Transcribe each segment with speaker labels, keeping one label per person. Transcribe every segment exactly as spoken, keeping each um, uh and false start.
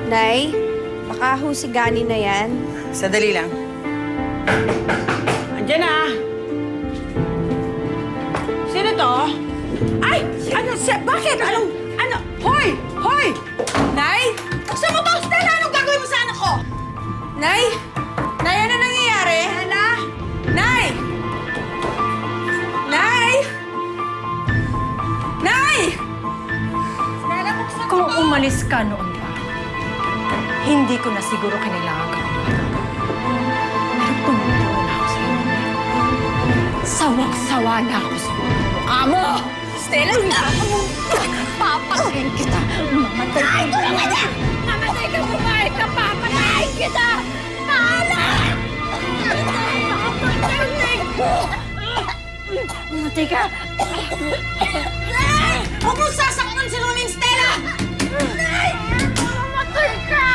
Speaker 1: Nay, baka ho si Gani na yan.
Speaker 2: Sadali lang. Andiyan na. Sino to? Ay! Ano? Si bakit? Anong? Ano? Hoy! Hoy! Nay! Buksan mo ba, Stella? Anong gagawin mo sa anak ko?
Speaker 1: Nay! Nay, ano nangyayari?
Speaker 2: Stella?
Speaker 1: Nay! Nay! Nay!
Speaker 2: Stella, buksan mo
Speaker 3: Kung
Speaker 2: to.
Speaker 3: umalis ka noon pa, hindi ko na siguro kinailangan ka pa. Pero tumutulong na ako sa iyo. Sawang-sawa na ako sa mga mukha mo!
Speaker 1: Stella,
Speaker 3: Papatayin kita! Mamatay ka! Tulungan na! Mamatay ka! Bumahay ka! Papatayin kita! Paala! Papatayin ko! Mamatay ka!
Speaker 2: Nay! Huwag mo sasaktan si Luling, Stella!
Speaker 3: Nay! Mamatay ka!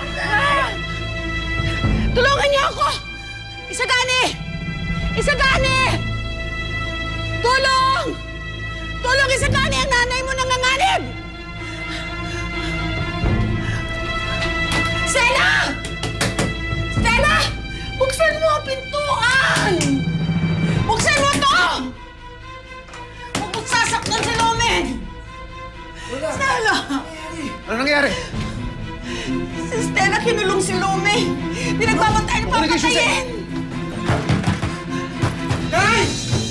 Speaker 2: Tulungan niyo ako! Isagani! Isagani! Tulong! Tulong, Isagani! Ang nanay mo nanganganib! Stella! Stella! Buksan mo ang pintuan! Buksan mo to! Huwag mo sasaktan si Lumen! Stella!
Speaker 4: Ano nangyari?
Speaker 2: Si Stella kinulong si Lume! Pinagbabantay na papatayin!
Speaker 4: Nay!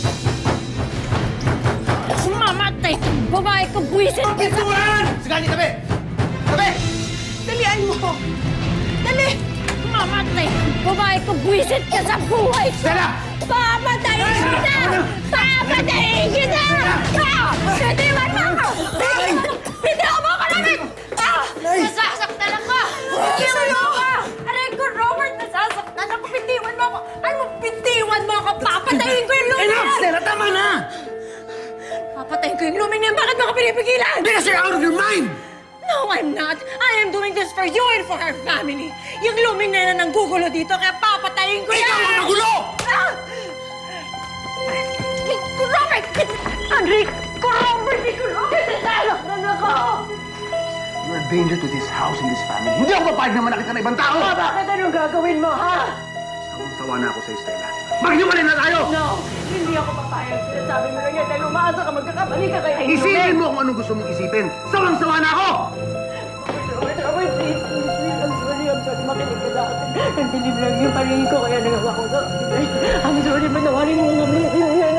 Speaker 3: Kung mamatay ka! Babae ka! Buwisit ka!
Speaker 4: Pintuan! Sige, tabi! Tabi!
Speaker 2: Dalian mo! Dali!
Speaker 3: Mamatay ka! Babae ka! Buwisit ka sa buhay ko!
Speaker 4: Stella!
Speaker 3: Papatayin kita! Papatayin kita! Ah! Bitiwan mo ako! Bitiwan mo ako namin! Ah! Nasasaktan ako! Bitiwan mo ako! Aray ko, Robert! Nasasaktan ako! Bitiwan mo ako! Ano? Bitiwan mo ako! Papatayin ko yung lumin!
Speaker 4: Enough, Stella! Tama na!
Speaker 3: Papatayin ko yung lumin niya! Bakit mo ako pinipigilan?
Speaker 4: Because you're out of your mind!
Speaker 3: No, I'm not. I am doing this for you and for our family. Yung luming na yan ang gugulo dito, kaya papatayin ko yan!
Speaker 4: Ikaw ang nagulo!
Speaker 3: Ah! Robert! Andre! Robert! Nasasaktan ako!
Speaker 4: You're a danger to this house and this family. Hindi ako papayag na manakit ka ng ibang tao!
Speaker 3: Bakit anong gagawin mo, ha?
Speaker 4: Sawang-sawa na ako sa'yo, Stella. Maghiwalay na tayo!
Speaker 3: No! Hindi ako papayag. Sinasabi mo lang yan dahil umaasa ka magkakamali ka kaya
Speaker 4: Isipin mo kung anong gusto mong isipin. Sawang-sawa na ako!
Speaker 3: Robert, Robert, please, please, please. I'm sorry, I'm sorry. Makinig ka sa akin. Ang dilim lang yung paringin ko kaya nagawa ko sa I'm sorry, manawarin mo nga.